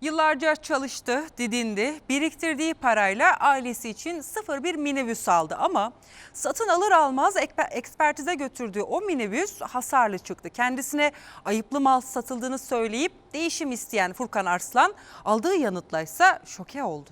Yıllarca çalıştı, didindi, biriktirdiği parayla ailesi için sıfır bir minibüs aldı ama satın alır almaz ekspertize götürdüğü o minibüs hasarlı çıktı. Kendisine ayıplı mal satıldığını söyleyip değişim isteyen Furkan Arslan aldığı yanıtla ise şoke oldu.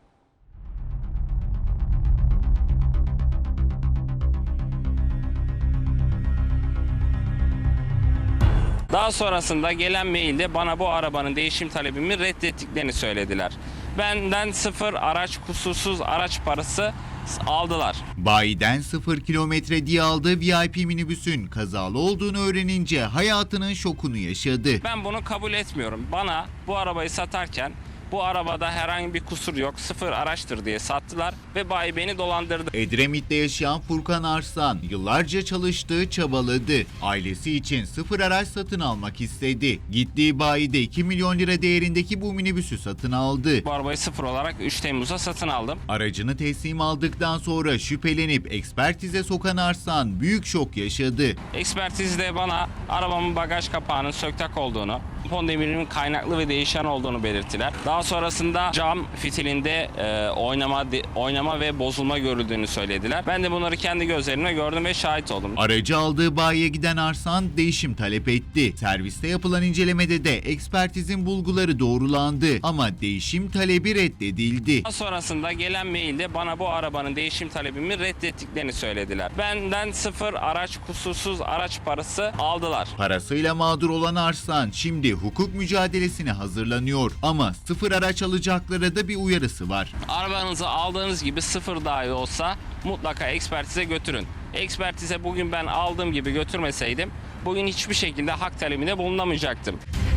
Daha sonrasında gelen mailde bana bu arabanın değişim talebimi reddettiklerini söylediler. Benden sıfır araç, kusursuz araç parası aldılar. Bayiden 0 kilometre diye aldığı VIP minibüsün kazalı olduğunu öğrenince hayatının şokunu yaşadı. Ben bunu kabul etmiyorum. Bana bu arabayı satarken bu arabada herhangi bir kusur yok, sıfır araçtır diye sattılar ve bayi beni dolandırdı. Edremit'te yaşayan Furkan Arslan yıllarca çalıştı, çabaladı. Ailesi için sıfır araç satın almak istedi. Gittiği bayide 2 milyon lira değerindeki bu minibüsü satın aldı. Bu arabayı sıfır olarak 3 Temmuz'da satın aldım. Aracını teslim aldıktan sonra şüphelenip ekspertize sokan Arslan büyük şok yaşadı. Ekspertizde bana arabamın bagaj kapağının söktak olduğunu, tampon demirinin kaynaklı ve değişen olduğunu belirttiler. Daha sonrasında cam fitilinde oynama ve bozulma görüldüğünü söylediler. Ben de bunları kendi gözlerimle gördüm ve şahit oldum. Aracı aldığı bayiye giden Arslan değişim talep etti. Serviste yapılan incelemede de ekspertizin bulguları doğrulandı ama değişim talebi reddedildi. Daha sonrasında gelen mailde bana bu arabanın değişim talebimi reddettiklerini söylediler. Benden sıfır araç, kusursuz araç parası aldılar. Parasıyla mağdur olan Arslan şimdi hukuk mücadelesine hazırlanıyor ama sıfır araç alacaklara da bir uyarısı var. Arabanızı aldığınız gibi sıfır dahi olsa mutlaka ekspertize götürün. Ekspertize bugün ben aldığım gibi götürmeseydim bugün hiçbir şekilde hak talebinde bulunamayacaktım.